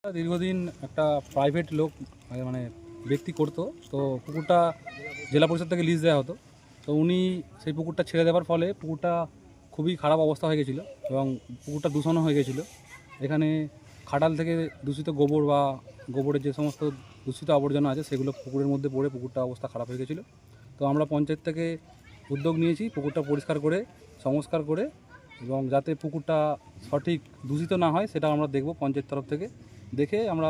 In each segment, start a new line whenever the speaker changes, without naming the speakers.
দীর্ঘদিন একটা প্রাইভেট লোক মানে ব্যক্তি করতো, তো পুকুরটা জেলা পরিষদ থেকে লিজ দেওয়া হতো। তো উনি সেই পুকুরটা ছেড়ে দেওয়ার ফলে পুকুরটা খুবই খারাপ অবস্থা হয়ে গেছিলো এবং পুকুরটা দূষণও হয়ে গেছিলো। এখানে খাটাল থেকে দূষিত গোবর বা গোবরের যে সমস্ত দূষিত আবর্জনা আছে সেগুলো পুকুরের মধ্যে পড়ে পুকুরটা অবস্থা খারাপ হয়ে গেছিলো। তো আমরা পঞ্চায়েত থেকে উদ্যোগ নিয়েছি পুকুরটা পরিষ্কার করে সংস্কার করে, এবং যাতে পুকুরটা সঠিক দূষিত না হয় সেটা আমরা দেখব পঞ্চায়েত তরফ থেকে দেখে আমরা,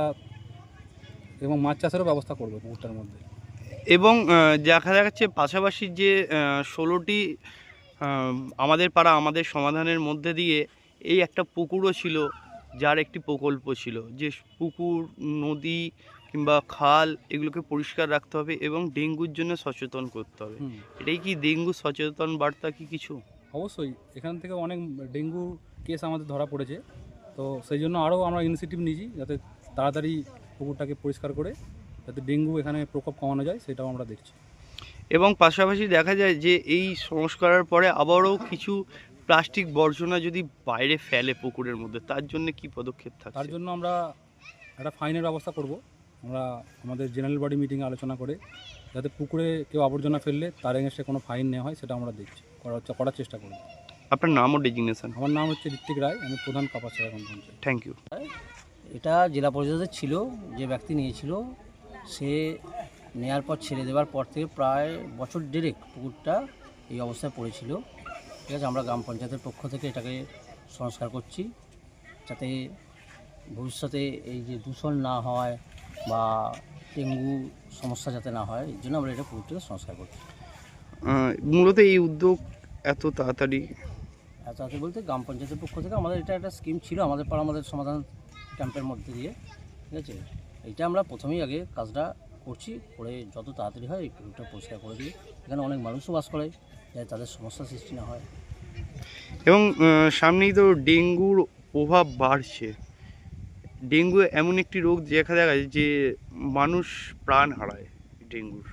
এবং মাছ চাষেরও ব্যবস্থা করবো পুকুরটার মধ্যে।
এবং দেখা যাচ্ছে পাশাপাশি যে 16টি আমাদের পাড়া আমাদের সমাধানের মধ্যে দিয়ে এই একটা পুকুরও ছিল, যার একটি প্রকল্প ছিল যে পুকুর, নদী কিংবা খাল এগুলোকে পরিষ্কার রাখতে হবে এবং ডেঙ্গুর জন্য সচেতন করতে হবে। এটাই কি ডেঙ্গু সচেতন বার্তা কি কিছু?
অবশ্যই এখান থেকে অনেক ডেঙ্গু কেস আমাদের ধরা পড়েছে, তো সেই জন্য আরও আমরা ইনিশিয়েটিভ নিয়েছি যাতে তাড়াতাড়ি পুকুরটাকে পরিষ্কার করে যাতে ডেঙ্গু এখানে প্রকোপ কমানো যায় সেটাও আমরা দেখছি।
এবং পাশাপাশি দেখা যায় যে এই সংস্কারের পরে আবারও কিছু প্লাস্টিক বর্জনা যদি বাইরে ফেলে পুকুরের মধ্যে, তার জন্য কি পদক্ষেপ
তার
থাকছে?
জন্য আমরা একটা ফাইনের ব্যবস্থা করব। আমরা আমাদের জেনারেল বডি মিটিংয়ে আলোচনা করে যাতে পুকুরে কেউ আবর্জনা ফেললে তার এগেনস্টে কোনো ফাইন নেওয়া হয় সেটা আমরা দেখছি, করার চেষ্টা করব।
আপনার নাম ও ডেজিগনেশন?
আমার নাম হচ্ছে ঋত্বিক রায়, আমি প্রধান কাপাসিয়া এখন পঞ্চায়েত।
Thank you.
এটা জেলা পরিষদের ছিল, যে ব্যক্তি নিয়েছিল সে নেয়ার পর ছেড়ে দেওয়ার পর থেকে প্রায় বছর দেড়েক পুকুরটা এই অবস্থায় পড়েছিল। ঠিক আছে, আমরা গ্রাম পঞ্চায়েতের পক্ষ থেকে এটাকে সংস্কার করছি যাতে ভবিষ্যতে এই যে দূষণ না হয় বা ডেঙ্গু সমস্যা যাতে না হয়, এই জন্য আমরা এটা পুকুরটাকে সংস্কার করছি।
মূলত এই উদ্যোগ এত তাড়াতাড়ি
বলতে গ্রাম পঞ্চায়েতের পক্ষ থেকে আমাদের এটা একটা স্কিম ছিল আমাদের পাড়া আমাদের সমাধান ক্যাম্পের মধ্যে দিয়ে। ঠিক আছে, এইটা আমরা প্রথমেই আগে কাজটা করছি, করে যত তাড়াতাড়ি হয় এই পুকুরটা পরিষ্কার করে দিই। এখানে অনেক মানুষও বাস করে, যাতে তাদের সমস্যা সৃষ্টি না হয়।
এবং সামনেই তো ডেঙ্গুর প্রভাব বাড়ছে। ডেঙ্গু এমন একটি রোগ দেখা যায় যে মানুষ প্রাণ হারায় ডেঙ্গুর।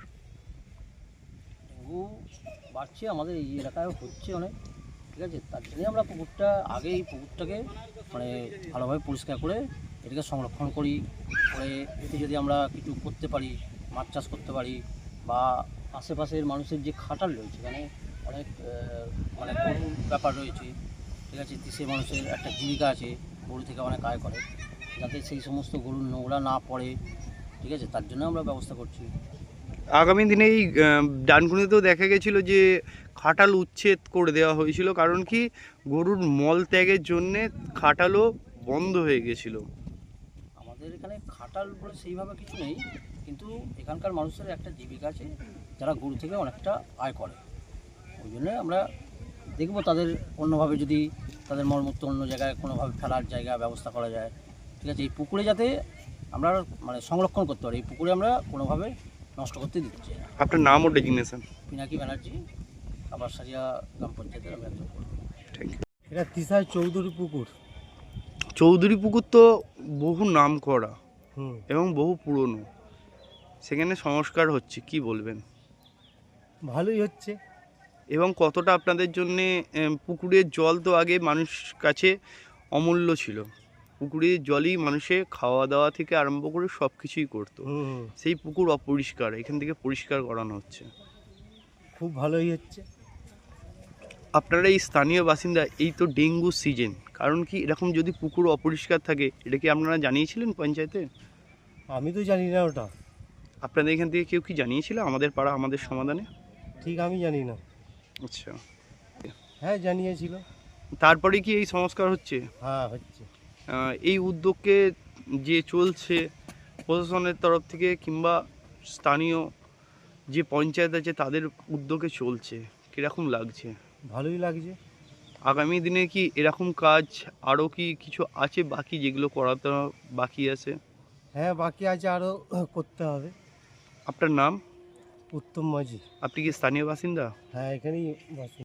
ডেঙ্গু বাড়ছে, আমাদের এই এলাকায় হচ্ছে অনেক। ঠিক আছে, তার জন্যই আমরা পুকুরটা আগে এই পুকুরটাকে মানে ভালোভাবে পরিষ্কার করে এটাকে সংরক্ষণ করি, করে এতে যদি আমরা কিছু করতে পারি, মাছ চাষ করতে পারি, বা আশেপাশের মানুষের যে খাটাল রয়েছে এখানে অনেক মানে গরুর ব্যাপার রয়েছে। ঠিক আছে, সে মানুষের একটা জীবিকা আছে, গরু থেকে অনেক আয় করে, যাতে সেই সমস্ত গরুর নোংরা না পড়ে। ঠিক আছে, তার জন্য আমরা ব্যবস্থা করছি।
আগামী দিনে এই ডানকুনিতেও দেখা গেছিল যে খাটাল উচ্ছেদ করে দেওয়া হয়েছিল, কারণ কি গরুর মল ত্যাগের জন্যে খাটালও বন্ধ হয়ে গেছিল।
আমাদের এখানে খাটাল বলে সেইভাবে কিছু নেই, কিন্তু এখানকার মানুষের একটা জীবিকা আছে, যারা গরু থেকে অনেকটা আয় করে। ওই জন্য আমরা দেখব তাদের অন্যভাবে যদি তাদের মলমূত্র অন্য জায়গায় কোনোভাবে ফেলার জায়গা ব্যবস্থা করা যায়। ঠিক আছে, এই পুকুরে যাতে আমরা মানে সংরক্ষণ করতে পারি, এই পুকুরে আমরা কোনোভাবে নষ্ট করতে দিচ্ছি না।
আপনার নাম ও ডেজিগনেশন?
পিনাকি ব্যানার্জি, কাপাসিয়া গ্রাম পঞ্চায়েতের আমি একজন কর্মী।
Thank you.
এটা তিসার চৌধুরী পুকুর।
চৌধুরী পুকুর তো বহু নাম করা
হুম,
এবং বহু পুরনো, সেখানে সংস্কার হচ্ছে, কি বলবেন?
ভালোই হচ্ছে।
এবং কতটা আপনাদের জন্যে পুকুরের জল তো আগে মানুষ কাছে অমূল্য ছিল, পুকুরের জলই মানুষে খাওয়া দাওয়া থেকে আরম্ভ করে সব কিছুই করতো।
হুম,
সেই পুকুর অপরিষ্কার, এখান থেকে পরিষ্কার করানো হচ্ছে।
খুব ভালোই হচ্ছে।
আপনারা এই স্থানীয় বাসিন্দা, এই তো ডেঙ্গু সিজন, কারণ কি এরকম যদি পুকুর অপরিষ্কার থাকে এটা কি আপনারা জানিয়েছিলেন পঞ্চায়েতে?
আমি তো জানি না ওটা,
আপনাদের এখান থেকে কেউ কি জানিয়েছিল আমাদের পাড়া আমাদের সমাধানে?
ঠিক আমি জানি না।
আচ্ছা,
হ্যাঁ জানিয়েছিল।
তারপরে কি এই সংস্কার হচ্ছে?
হ্যাঁ হচ্ছে।
এই উদ্যোগকে যে চলছে প্রশাসনের তরফ থেকে কিংবা স্থানীয় যে পঞ্চায়েত আছে তাদের উদ্যোগে চলছে, কীরকম লাগছে?
ভালোই লাগছে।
আগামী দিনে কি এরকম কাজ আরও কি কিছু আছে বাকি, যেগুলো করাতে বাকি আছে?
হ্যাঁ বাকি আছে, আরও করতে হবে।
আপনার নাম?
উত্তম মাঝি।
আপনি কি স্থানীয় বাসিন্দা?
হ্যাঁ এখানেই বাসি।